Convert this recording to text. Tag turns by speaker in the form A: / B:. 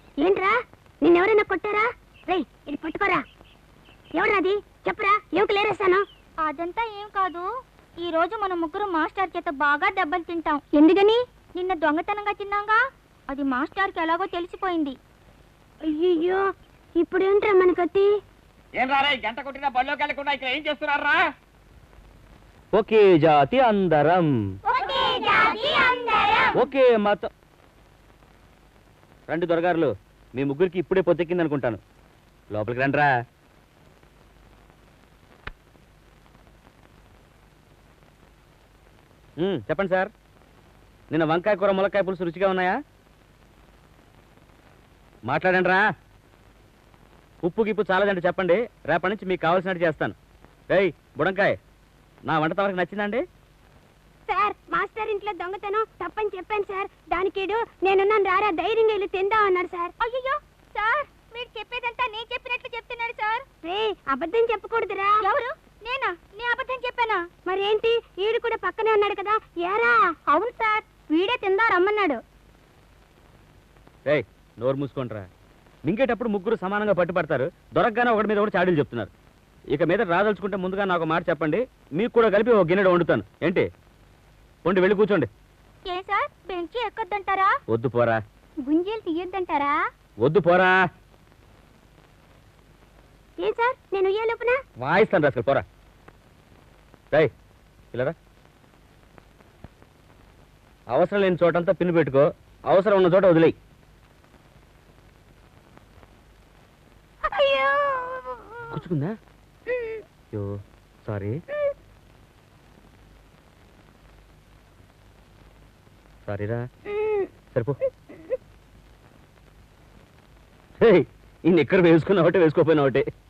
A: ఏంట్రా నిన్నెవరైనా కొట్టారా? రేయ్ ఇది పట్టుకోరా. ఎవరాది చెప్పరా, ఏమిటి లేరేస్తాను?
B: అదంతా ఏం కాదు, ఈ రోజు మన ముగ్గురు మాస్టర్ చేత బాగా దెబ్బలు తింటాం. ఎందుకని? నిన్న దొంగతనంగా తిన్నాగా, అది మాస్టర్కి ఎలాగో తెలిసిపోయింది.
A: అయ్యో ఇప్పుడు ఏంట్రా మనకత్తి?
C: ఏం రారా గంట కొట్టినా బళ్ళోకి వెళ్ళకుండా ఇక్కడ ఏం చేస్తున్నారా?
D: ఒకే జాతి అందరం, ఒకే మతం. రండి దొరగారులు, మీ ముగ్గురికి ఇప్పుడే పొద్దెక్కింది అనుకుంటాను. లోపలికి రండిరా. చెప్పండి సార్, నిన్న వంకాయ కూర ములక్కాయ పులుసు రుచిగా ఉన్నాయా? మాట్లాడండి రా. ఉప్పు గిప్పు చాలదండి చెప్పండి, రేపటి నుంచి మీకు కావాల్సినట్టు చేస్తాను. ఏయ్ బుడంకాయ్, నా వంట తమరికి నచ్చిందండి?
A: సార్ మాస్టర్ ఇంట్లో దొంగతనం తప్పని చెప్పాను సార్, దానికేడు నేనున్నాను రారా ధైర్యంగా వెళ్ళి తిందాం అన్నాడు సార్.
B: అయ్యో సార్, మీరు చెప్పేదంతా నేను చెప్పినట్లు చెప్తున్నాడు సార్.
A: రే అబద్ధం చెప్పకూడదురా.
B: ఎవరు? నేనా? నే అబద్ధం చెప్పానా?
A: మరేంటి, వీడు కూడా పక్కనే ఉన్నాడు కదా. ఏరా?
B: అవును సార్, వీడే తిందా రమ్మన్నాడు.
D: ఏయ్ నోరు మూసుకుంటారా. మింగేటప్పుడు ముగ్గురు సమానంగా పట్టుపడతారు, దొరకగానే ఒకటి మీద ఒకటి చాడీలు చెప్తున్నారు. ఇక మీద రాదలుచుకుంటే ముందుగా నాకు మాట చెప్పండి, మీకు కూడా కలిపి ఒక గిన్నెడు వండుతాను. ఏంటి? వండి వెళ్ళి కూర్చోండి.
B: ఏ సార్, బెంచి ఎక్కొద్దంటారా?
D: వద్దు పోరా.
B: గుంజీలు తీయొద్దంటారా?
D: వద్దు పోరా.
A: ఏం సార్ నేను ఏ లోపున
D: వాయిస్తాను రాసుకొని పోరా. రై ఇలారా. అవసరం లేని చోటంతా పిన్ను పెట్టుకో, అవసరం ఉన్న చోట వదిలేయి. కూర్చుకుందా? అయ్యో సారీ సారీరా. సరిపో. ఈ నిక్కర్ వేసుకున్న ఒకటే వేసుకోపోయినా ఒకటే.